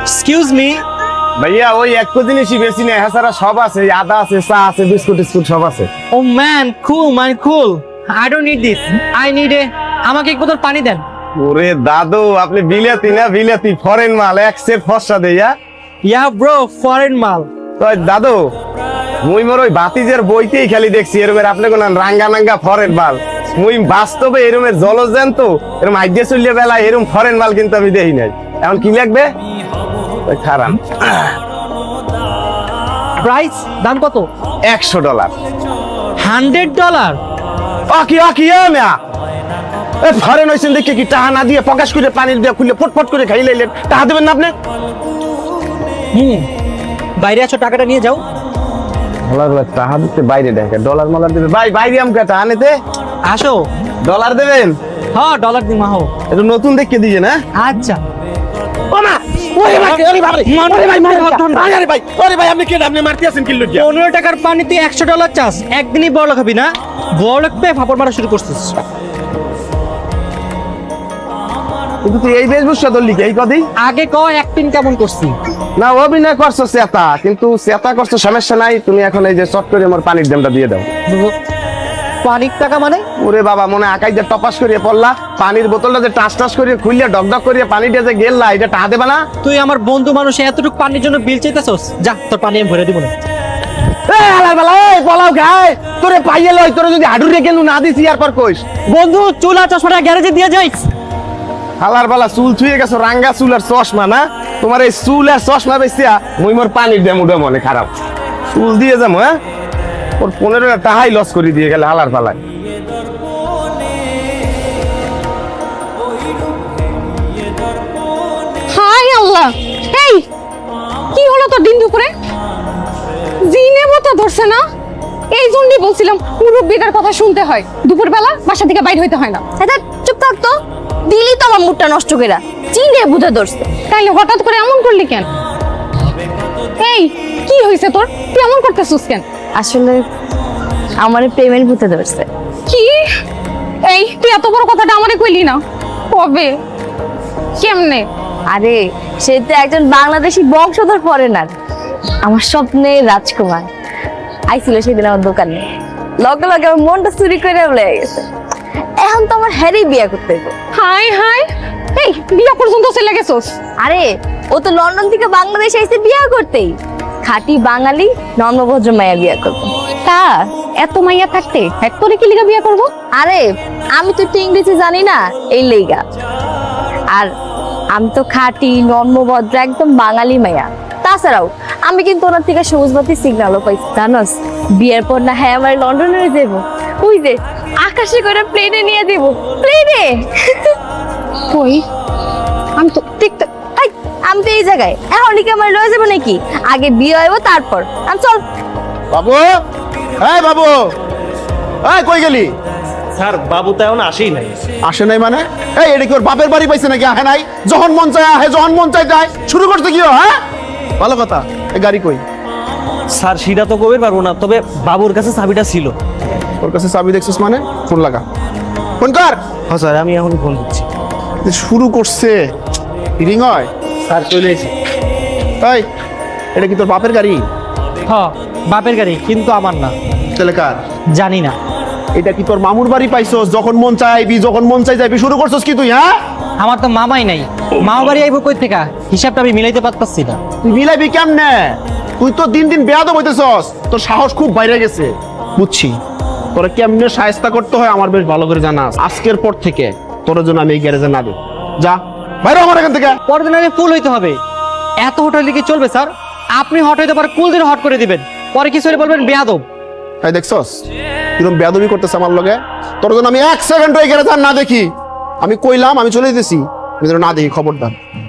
Excuse me. ভাইয়া ওই এক জিনিসই বেশি নেই, হ্যাঁ সারা সব আছে, আদা আছে, চা আছে, বিস্কুট টিস্কুট সব আছে। Oh man, cool. I don't need this. I need আমাকে এক বোতল পানি দেন। ওরে দাদু, আপনি বিলাতি না বিলাতি, ফরেন মাল, এক সেট ফর্সা দেয়া। ইয়া ব্রো, ফরেন মাল। তো দাদু, মুই মোর ওই বাতিজের বইতেই খালি দেখছি এরমের আপনি কোন রাঙ্গা নাঙ্গা ফরেন মাল। মুই বাস্তবে এরমের জলজেন তো এরম আইডিয়া চলিয়ে বেলা এরম ফরেন মাল কিন্তু আমি দেখি নাই। এখন কি লাগবে? খারাপ। প্রাইস দাম কত? $100। $100? অকি মিয়া, এ ফরেন হইছেন দেখে কি টাকা না দিয়ে প্রকাশ করে পানি দিয়ে খুলে ফটফট করে খাই লাইলেন, টাকা দেবেন না আপনি? বাইরে আছো, টাকাটা নিয়ে যাও। টাকা দিতে বাইরে দেখে ডলার মলার দেবে ভাই, বাইরে আমাকে টাকা নিতে আসো। ডলার দেবেন? হ্যাঁ, ডলার দিমা হো। এটা নতুন দেখে দিয়ে না? আচ্ছা। ওমা, ওরে ভাই, ওরে বাবা রে, ওরে ভাই মার ভাই, আরে ভাই, ওরে ভাই আপনি কেন আপনি মারতে আছেন কিল্লু কি? 15 টাকার পানিতে $100 চাস, একদিনই বড় খাবি না? বড় পেয়ে ফাপড় মারা শুরু করছিস। কিন্তু তুই এই বেশভূষা ধরলি কি এই কদি? আগে ক অ্যাক্টিং কেমন করছি? না অভিনয় করছো চেতা, কিন্তু চেতা করছো সমস্যা নাই, তুমি এখন এই যে চট করে আমার পানির দামটা দিয়ে দাও। পানির টাকা মানে? ওরে বাবা, মনে আকাই যে টপাস করিয়ে পড়লা, পানির বোতলটা যে টাস টাস করিয়ে খুললে ডকডক করিয়ে পানিটা যে গেললা, এটা টাকা দেবা না? তুই আমার বন্ধু মানুষ, এতটুকু পানির জন্য বিল চাইতেছস? যা, তোর পানি আমি ভরে দিব না। তোরে পাইয়ে লই, তোরে যদি হাডুর রেখে না দিছি আর পর কইস। বন্ধু, চুলা চশমাটা গ্যারেজে দিয়ে যাইস। হালার বালা চুল ছুঁয়ে গেছো, রাঙ্গা চুল আর চশমা না? তোমার এই চুল আর চশমা বেচিয়া মুই মোর পানির দাম উঠে মনে খারাপ। চুল দিয়ে যাবো, হ্যাঁ ওর 15 টাকাই লস করে দিয়ে গেলে হালার পালায়। হাই আল্লাহ, এই কি হলো তোর দিন দুপুরে? জিনে মতো ধরছে না? এই জন্যই বলছিলাম মুরব্বীদের কথা শুনতে হয়, দুপুরবেলা বাসা থেকে বাইরে হইতে হয় না। এটা চুপ থাক তো, দিলি তো আমার মুডটা নষ্ট করে। চিনে বুঝে ধরছে। তাইলে হঠাৎ করে এমন করলি কেন? এই কি হয়েছে তোর? তুই এমন করতেছিস কেন? আসলে আমার পেমেন্ট বুঝে ধরছে। কি? এই তুই এত বড় কথাটা আমারে কইলি না? কবে? কেমনে? আরে সে তো একজন বাংলাদেশি বংশধর ফরেনার, আমার স্বপ্নে রাজকুমার আইছিল সেদিন আমার দোকানে। লগে লগে আমার মনটা চুরি করে লেগে গেছে। এখন তো আমার হ্যারি বিয়ে করতে হবে। হাই হাই, এই বিয়া পর্যন্ত চলে গেছস? আরে ও তো লন্ডন থেকে বাংলাদেশে এসে বিয়ে করতেই। খাঁটি বাঙালি নম্রভদ্র মায়া বিয়ে করবো। তা এত মাইয়া থাকতে এক করে কি লিগা বিয়া করবো? আরে আমি তো একটু ইংরেজি জানি না, এই লেগা। আর আমি তো খাঁটি নম্রভদ্র একদম বাঙালি মায়া। তাছাড়াও আমি কিন্তু ওনার থেকে সবুজ বাতি সিগন্যালও পাইছি, জানোস? বিয়ের পর না হ্যাঁ আমার লন্ডনে যাবো, ওই যে আকাশে করে প্লেনে নিয়ে দেব। প্লেনে? কই আমি তো দেখতে। আমি তো এই জায়গায় এখন কি আমার লয়ে যাবো নাকি? আগে বিয়ে হইব তারপর। আমি চল। বাবু, এই বাবু, এই কই গেলি? স্যার, বাবু তো এখন আসেই নাই। আসে নাই মানে? এই এটা কি ওর বাপের বাড়ি পাইছে নাকি? আহে নাই, যখন মন চায় আহে, যখন মন চায় যায়। শুরু করতে কি? হ্যাঁ ভালো কথা। এই গাড়ি কই? স্যার সেটা তো কবে পারবো না, তবে বাবুর কাছে চাবিটা ছিল। ওর কাছে চাবি দেখছিস মানে? ফোন লাগা, ফোন কর। হ্যাঁ স্যার, আমি এখন ফোন দিচ্ছি। শুরু করছে, রিং হয়। স্যার চলে এসেছি। এই এটা কি তোর বাপের গাড়ি? হ, বাপের গাড়ি, কিন্তু আমার না। তাহলে কার? জানি না। এটা কি তোর মামুর বাড়ি পাইছস? যখন মন চাইবি, যখন মন চাই যাবি। শুরু করছস কি তুই? হ্যাঁ, আমার তো মামাই নাই। মামা বাড়ি আইবো কই থেকে? হিসাবটা আমি মিলাইতে পারতাছি না। তুই মিলাইবি কেমনে? তুই তো দিন দিন বেয়াদব হইতেছস, তোর সাহস খুব বাইরে গেছে। বুঝছি তোরা কেমনে শায়েস্তা করতে হয় আমার বেশ ভালো করে জানা আছে। আজকের পর থেকে তোর জন্য আমি এই গ্যারেজে না দেব। যা বাইরে আমার এখান থেকে। পরের দিন ফুল হইতে হবে। এত হট হইলে কি চলবে স্যার? আপনি হট হইতে পারে, কুল দিন হট করে দিবেন, পরে কিছু হলে বলবেন বেয়াদব। তাই দেখছস কিরকম বেয়াদবি করতেছে আমার লগে? তোর জন্য আমি 1 সেকেন্ড এই গ্যারেজে না দেখি। আমি কইলাম আমি চলে যেতেছি, আমি যেন না দেখি, খবরদার।